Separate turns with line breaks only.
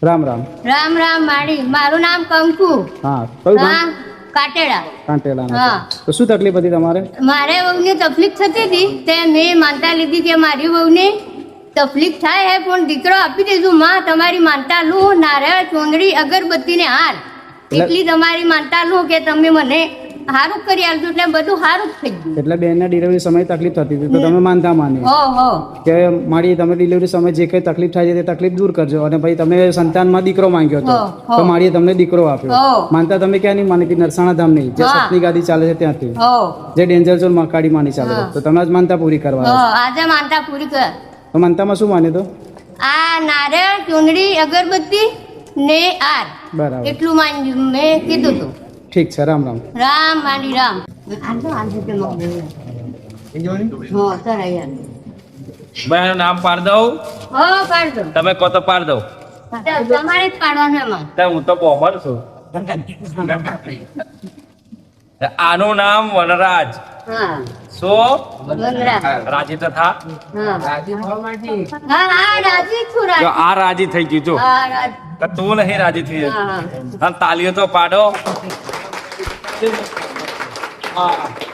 રામ રામ.
રામ રામ માડી. મારું નામ કંકુ.
હા, કયું ગામ?
હા, કાટેડા.
કાંટેલાના.
હા.
તો શું તકલીફ હતી તમારે?
મારે વહુને તકલીફ થતી હતી તે મેં માનતા લીધી કે મારી વહુને તકલીફ થાય હે પણ દીકરો આપી દેજો માં. તમારી માનતા લું નારિયેળ ચોંદડી અગરબત્તી ને હાર એટલી તમારી માનતા લું કે તમે મને સારું કરી આપજો એટલે બધું સારું જ થઈ ગયું.
એટલે બેનના ડિલિવરી સમયે તકલીફ થતી હતી તો તમે માનતા માની
હો
કે મારી તમે ડિલિવરી સમયે જે કઈ તકલીફ થાય છે તે તકલીફ દૂર કરજો અને ભાઈ તમે સંતાનમાં દીકરો માંગ્યો હતો તો મારીએ તમને દીકરો આપ્યો. માનતા તમે ક્યાં નહીં માની કે નરસાણા ધામ નહીં જે સતની ગાદી ચાલે છે ત્યાંથી જે ડેન્જર ઝોન મકાડી માની ચાલે છે તો તમે જ માનતા પૂરી કરવા
આજે માનતા પૂરી કર.
તો માનતામાં શું માન્યું તો?
આ નારિયેળ ચોંદડી અગરબત્તી ને હાર
બરાબર,
એટલું માન્યું મેં કીધું હતું.
ઠીક છે. રામ રામ.
રામ માડી રામ.
ભાઈ નામ પાડ દઉં
હો પાડ દો.
તમે કહો તો પાડ દઉં.
તમારે જ પાડવાનું એમાં.
હું તો બોમર છું. આનું નામ વનરાજ.
હા
શું
વનરાજ.
રાજી તો થા.
હા હા રાજી છું
જો
રાજી.
આ રાજી થઈ ગયું જો
હા રાજી.
તો તું નહીં રાજી થઈ
હા હા.
અને તાલીઓ તો પાડો. હા